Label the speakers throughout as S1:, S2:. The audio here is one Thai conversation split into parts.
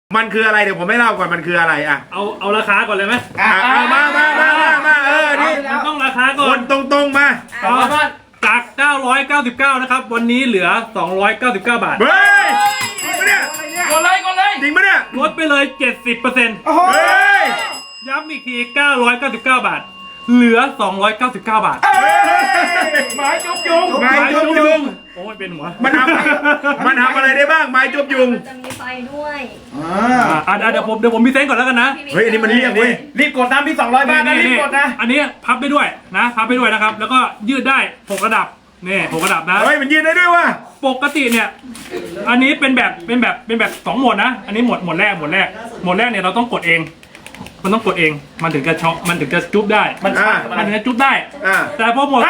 S1: มันคืออะไรเดี๋ยวผมไม่เล่าก่อนมันคืออะไรอ่ะ
S2: เอาราคาก่อนเลยไหม
S1: เอามานี่
S2: มันต้องราคาก่อ
S1: คน นตรงมา
S2: จาก 999 นะครับวันนี้เหลือ 299 บาท
S1: เฮ้ยจริงปะเนี่ย
S3: กดเลย
S1: จริงปะเนี่ย
S2: ลดไปเลย 70%
S1: เฮ้ย
S2: ย้ำอีกที 999 บาทเหลือ 299 บาท
S1: ไม้จุบยุง
S2: โอ้ยเป็นหัว
S1: มันทำอะไรได้บ้างไม้จุบยุง
S4: จะมีไฟด้วย
S2: เดี๋ยวผมมีเซนก่อนแล้วกันนะ
S1: เฮ้ยอันนี้มันเรียกเว้ย
S3: รีบกดนะพี่200 บาทนะรีบกดนะ
S2: อันนี้พับได้ด้วยนะพับได้ด้วยนะครับแล้วก็ยืดได้6ระดับนี่6ระดับนะ
S1: เฮ้ยมันยืดได้ด้วยว่ะ
S2: ปกติเนี่ยอันนี้เป็นแบบ2โหมดนะอันนี้โหมดแรกเนี่ยเราต้องกดเองมันต้องกดเองมันถึงจะช็อคมันถึงจะจุ๊บได้มันถึงจะจุ๊บได้แต่พอโหมด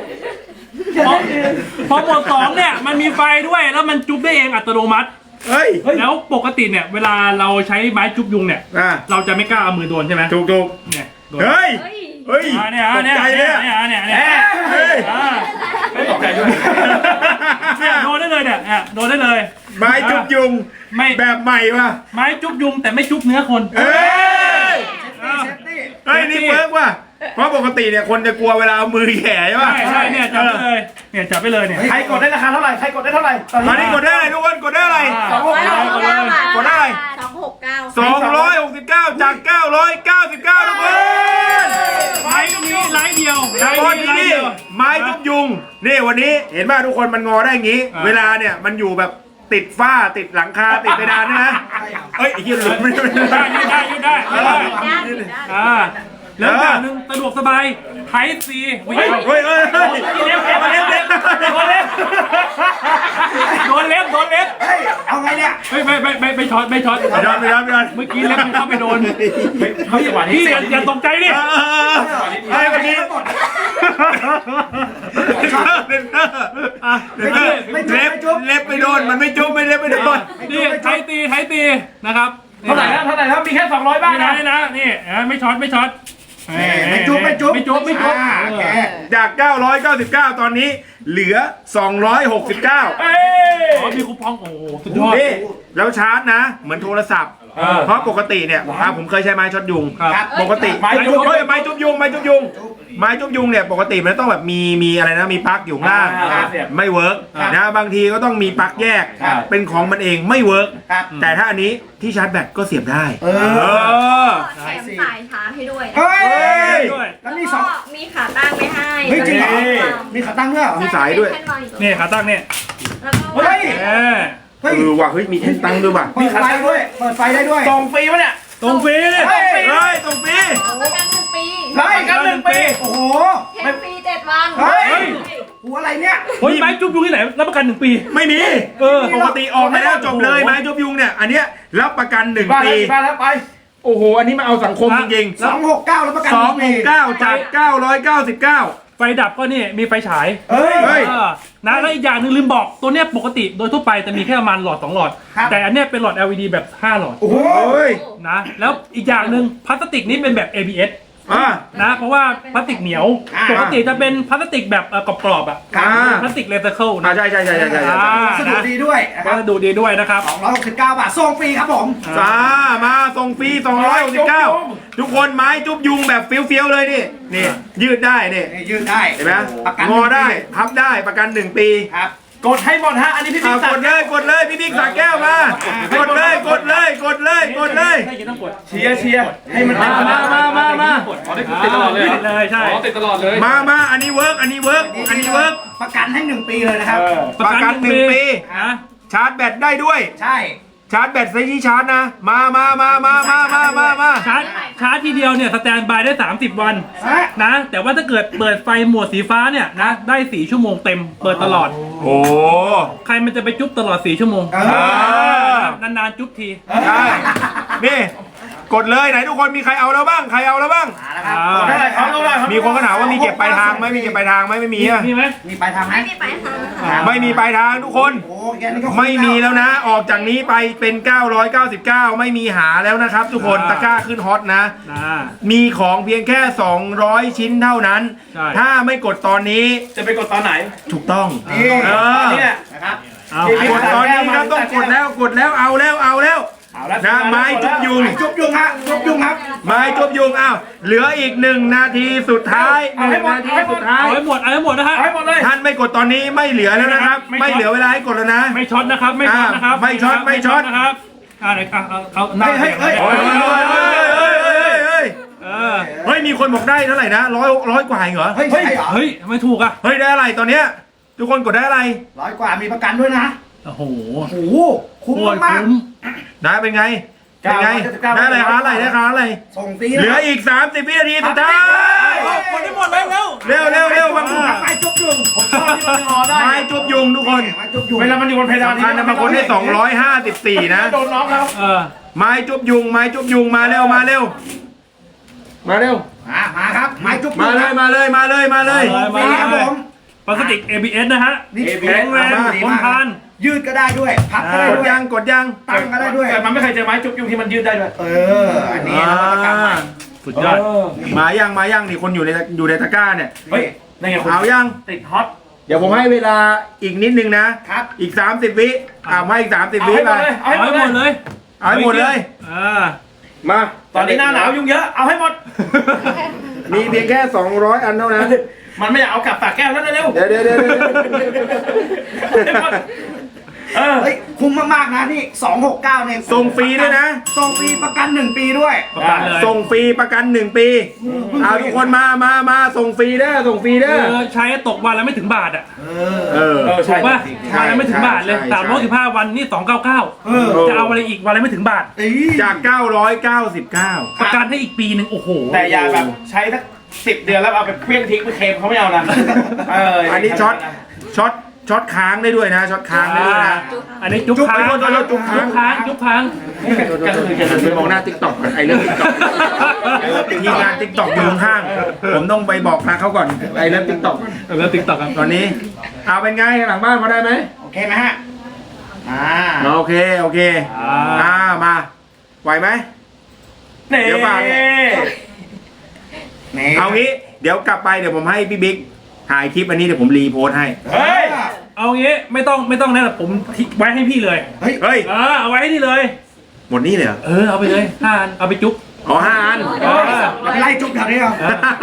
S2: สองเนี่ยมันมีไฟด้วยแล้วมันจุ๊บได้เองอัตโนมัติแล้วปกติเนี่ยเวลาเราใช้ไม้จุ๊บยุงเนี่ยเราจะไม่กล้าเอามือโดนใช่ไหม
S1: ถูก
S2: เนี่ย
S1: เฮ้ย
S2: เนี่ย
S3: ไม่ตกใจด้วย
S2: โดนได้เลยเนี่ยโดนได้เลย
S1: ไม้จุ๊บยุงแบบใหม่ว่ะ
S2: ไม้จุ๊บยุงแต่ไม่จุ๊บเนื้อคน
S1: นี่เฟิร์กว่ะเพราะปกติเนี่ยคนจะกลัวเวลาเอามือแย่ใช่ป่ะ
S2: ใช่เนี่ยจับไปเลยเนี่ย
S3: ใครกดได้ราคาเท่าไหร่ใครกดได้เท่าไหร่
S1: ตอนนี้กดได้ทุกคนกดได้อะไรกดได้269จาก999ทุกคน
S2: ไม้ตรงนี้ไลท์เดียว
S1: ตอนนี้นี่ไม้จุ๊บยุงนี่วันนี้เห็นป่ะทุกคนมันงอได้อย่างงี้เวลาเนี่ยมันอยู่แบบติดฝ้าติดหลังคาติดเพดานใช่ไหมเอ้ยไอ้เหี้ยหลุดไม่
S2: ได้แล้วอย่างนึงสะดวกสบายไทป์ซี
S1: เฮ้ยโดนเล็บ
S3: เอาไงเนี่ย
S2: ไม่ช็อตเมื่อกี้เล็บมันเข้าไปโดนพี่อย่าตกใจดิ
S1: เมื่อกี้เล็บไปโดนมันไม่จุ๊บไม่เล็บไปโดน
S2: นี่ไทป์ตีนะครับ
S3: เท่าไหร่แล้วมีแค่200 บาท
S2: นะนี่ไม่ช็อตไม่จุ๊บ
S1: จาก999ตอนนี้เหลือ269
S2: มีคูปองโอ้สุดยอด
S1: นี่แล้วชาร์จนะเหมือนโทรศัพท์เพราะปกติเนี่ยผมเคยใช้ไม้ช็อตยุงปกติไม้จุ๊บยุงเนี่ยปกติมันต้องแบบมีอะไรนะมีปลั๊กอยู่ข้างล่างไม่เวิร์กนะบางทีก็ต้องมีปลั๊กแยกเป็นของมันเองไม่เวิร์กแต่ถ้าอันนี้ที่ชาร์จแบตก็เสียบได้
S4: แถมสายชาร์จให้ด้วย
S3: แล้ว
S4: มีขาตั้งไม่ให้
S3: จริงเหรอมีขาตั้งด้วย
S1: มีสายด้วย
S2: นี่ขาตั้งเนี่ย
S1: ว่ะมีแท่นตั้งด้วยว่ะ
S3: มีขาตั้งด้วยเปิดไฟได้ด้วย
S1: ส่งฟรีปะเนี่ย
S2: ส่งฟรี
S1: ส่งฟรี
S4: ประกัน1 ปี
S3: โอ้โห
S4: เทปฟรี7 วัน
S3: หัวอะไรเนี่ย
S2: ไม้จุ๊บยุงที่ไหนรับประกัน1 ปี
S1: ไม่มีปกติออกมาแล้วจบเลยไม้จุ๊บยุงเนี่ยอันเนี้ยรับประกัน1 ปี
S3: ไป
S1: โอ้โหอันนี้มาเอาสังคมจริง
S3: ๆ269แล้วประกัน
S1: 269จาก999
S2: ไฟดับก็นี่มีไฟฉายนะแล้วอีกอย่างนึงลืมบอกตัวเนี้ยปกติโดยทั่วไปจะมีแค่ประมาณหลอด2 หลอดแต่อันเนี้ยเป็นหลอด LED แบบ5 หลอด
S1: โอ้ย
S2: นะแล้วอีกอย่างนึงพลาสติกนี้เป็นแบบ ABS นะเพราะว่าพลาสติกเหนียวปกติจะเป็นพลาสติกแบบกรอบๆพลาสติกรีไซเคิลนะ
S1: ใช่
S3: สะดวกดีด้วย
S2: นะครับ
S3: 269 บาทส่งฟรีครับผม
S1: มาส่งฟรี269ทุกคนไม้จุ๊บยุงแบบเฟี้ยวๆเลยนี่ยืดได้นี่
S3: ยืดได้
S1: เห็นไหมงอได้พับได้ประกัน 1 ปี
S3: ครับกดให้หมดฮะอันนี้พี่บิ๊ก
S1: กดเลยพี่บิ๊กสาแก้วมากดเลย
S3: เชียร์ให้มัน
S1: มา
S3: ติดตลอด
S2: เลยใช่
S3: ติดตลอดเลย
S1: มาอันนี้เวิร์ก
S3: ประกันให้1 ปีเลยนะครับ
S1: ประกัน1 ปีชาร์จแบตได้ด้วย
S3: ใช่
S1: ชาร์จแบตใช้ที่ชาร์จนะมา
S2: ชาร์จทีเดียวเนี่ยสแตนบายได้30 วันนะแต่ว่าถ้าเกิดเปิดไฟหมวดสีฟ้าเนี่ยนะได้4 ชั่วโมงเต็มเปิดตลอด
S1: โอ้
S2: ใครมันจะไปจุ๊บตลอด4 ชั่วโมงนานๆจุ๊บที
S1: ใช่นี่กดเลยไหนทุกคนมีใครเอาแล้วบ้างมีคนก็ถามว่ามีเก็บปลายทางไหมไม่มี
S2: ไหม
S3: มีปลายทางไหม
S1: ไม่มีปลายทางทุกคนไม่มีแล้วนะออกจากนี้ไปเป็น999ไม่มีหาแล้วนะครับทุกคนตะกร้าขึ้นฮอตนะมีของเพียงแค่200 ชิ้นเท่านั้นถ้าไม่กดตอนนี้
S3: จะไปกดตอนไหน
S1: ถูกต้อง
S3: นี่นะครับ
S1: กดตอนนี้ครับต้องกดแล้วเอาแล้วนะไม้จุบยุง
S3: จุบยุงฮะจุบยุงครับ
S1: ไม้จุบยุงอ้าวเหลืออีก1 นาทีสุดท้าย1 นาทีสุดท้าย
S2: เอาให้หมดนะฮะ
S3: เอาให้หมดเลย
S1: ท่านไม่กดตอนนี้ไม่เหลือแล้วนะครับ ไม่เหลือเวลาให้กดแล้วนะ
S2: ไม่ช็อตนะครับไม่ช็อตนะครับ
S1: ไม่ช็อตไม่ช็อต
S2: นะครับเดี๋ยวเอาหน้า
S3: เฮ้ย
S1: เฮ้ยเฮ้ยมีคนบอกได้เท่าไหร่นะร้อยกว่าเหรอ
S3: เฮ้ยใช่เหรอ
S2: เฮ้ยไม่ถูกอ่ะ
S1: เฮ้ยได้อะไรตอนเนี้ยทุกคนกดได้อะไร
S3: 100 กว่ามีประกันด้วยนะ
S2: โอ้โห
S3: โอ้โหคุ้ม
S2: โคตร
S3: มาก
S2: คุ้ม
S1: นะเป็นไงเป็นไงได้อะไรคะอะไรได้คะอะไร
S3: ส่งฟรี
S1: เหลืออีก30 วินาทีสุดท้าย
S2: คนที่หมดแล้ว
S1: เร็วบางคน
S3: ไม้จุบยุงผมชอบที่มันงอได้
S1: ไม้จุบยุงทุกคน
S3: ไม้จุบยุง
S5: เวลามันอยู่บนเพดาน
S1: สำคัญนะบางคนได้254นะ
S5: โดนน้องแล้ว
S1: ไม้จุบยุงมาเร็วมาเร็ว
S3: มาครับไม้จุบยุง
S1: มาเลย
S2: มา
S3: นี่ครับผม
S2: พลาสติก ABS นะฮะ
S3: นี่
S2: แข็งแรงทนทาน
S3: ยืดก็ได้ด้วยพับก็ได้
S1: กด
S3: ด้วย
S1: ยัง
S3: ตั้งก็ได้ด้วย
S5: แต่มันไม่เคยเจอไม้จุ๊บยุงที่มันยืดได้ด้วย
S3: อันนี้นวัตกรรมใหม่
S2: สุดยอด
S1: มายังนี่คนอยู่ในตะกร้าเนี่ย
S5: เฮ้ยนั่นไงคุณ
S1: เอายัง
S5: ติดฮอต
S1: เดี๋ยวผมให้เวลาอีกนิดนึงนะครับ อีก30 วิให้อีก30
S5: เอา
S1: วิ
S5: ให้หม
S1: ไป
S5: ดเลยเอา
S2: เอา
S5: ให้หม
S2: ให้
S5: ด
S2: หม
S5: เลย
S2: ดเลย
S1: เอาให้หมดเลย มา
S5: ตอนนี้หน้าหนาวยุงเยอะเอาให้หมด
S1: มีเพียงแค่200 อันเท่านั้น
S5: มันไม่อยากเอากลับปากแก้วแล้วเร็ว
S1: เดี๋ยว
S3: เฮ้ยคุ้มมากๆนะนี่269เนี่ย
S1: ส่งฟรีด้วยนะ
S3: ส่งฟรีประกัน1 ปีด้วย
S2: ประกันเลย
S1: ส่งฟรีประกัน1 ปีเอาทุกคนมาส่งฟรีเด้อ
S2: ใช้ตกวันละไม่ถึงบาทอ่ะ
S1: เออ
S5: เออ
S2: ถู
S5: ใช่
S2: กป่ะ
S1: ใช่
S2: วันละไม่ถึงบาทเลย
S1: ใช่
S2: 315 วันนี่299จะเอาอะไรอีกวันละไม่ถึงบาท
S1: จาก999
S2: ประกันให้อีกปีหนึ่งโอ้โห
S5: แต่อย่าแบบใช้สัก10 เดือนแล้วเอาไปเคลี้ยงทิ้งไปเคลมเขาไม่เอานะ
S1: อันนี้ช็อตค้างได้ด้วยนะช็อตค้างได้ด้วยนะ
S2: อันนี้จุ๊บค้าง
S1: จุ๊บค้าง
S2: จุ๊บค้าง
S1: ไปมองหน้า TikTok ก่อนไอ้เรื่อง TikTok ทีมงาน TikTok อยู่ข้างๆผมต้องไปบอกนะเขาก่อนไอ้เรื่อง TikTok
S2: แล้วติ๊กต็อกครับ
S1: ตอนนี้เอาเป็นไงหลังบ้านพอได้ไหม
S3: โอเคไหมฮะ
S1: โอเคมาไหวไหม เดี๋ยวฟัง เอางี้เดี๋ยวกลับไปเดี๋ยวผมให้พี่บิ๊กถ่ายคลิปอันนี้เดี๋ยวผมรีโพสต์ให้
S5: เฮ้ย
S2: เอางี้ไม่ต้องนะผมไว้ให้พี่เลย
S3: เฮ้ย
S1: เฮ้ย
S2: เอาไว้ให้นี่เลย
S1: หมดนี่เลยเหรอ
S2: เอาไปเลย5 อันเอาไปจุ๊บ
S1: อ๋อ5 อัน
S3: ไล่จุ๊บแถวนี้เหรอ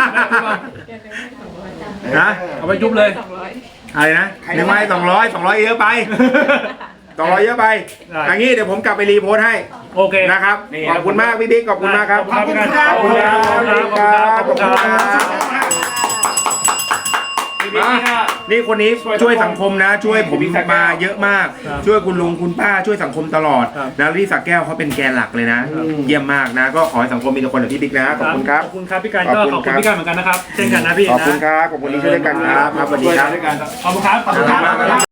S1: นะ
S2: เอาไปจุ๊บเลย
S1: อะไรนะหนึ่งไม้200เยอะไป200เยอะไปอย่างนี้เดี๋ยวผมกลับไปรีโพสต์ให้
S2: โอเค
S1: นะครับขอบคุณมากพี่บิ๊กขอบคุณมากครับ
S2: ขอบคุณครับ
S1: ขอบคุณครับนี่คนนี้ช่วยสังคมนะ ช่วยผมมาเยอะมาก ช่วยคุณลุงคุณป้าช่วยสังคมตลอดนะที่สักแก้วเขาเป็นแกนหลักเลยนะ เยี่ยมมากนะ ก็ขอให้สังคมมีแต่คนแบบพี่บิ๊กนะขอบคุณครับ
S2: ขอบคุณครับพี่การก็ขอบคุณพี่การเหมือนกันนะครับเช่นกันนะพี่
S1: ขอบคุณ
S2: นะครับ
S1: ขอบคุณที่ช่วยด้วยกันครับสวัสดีครับ
S2: ขอบคุณครับ
S3: ขอบคุณครับ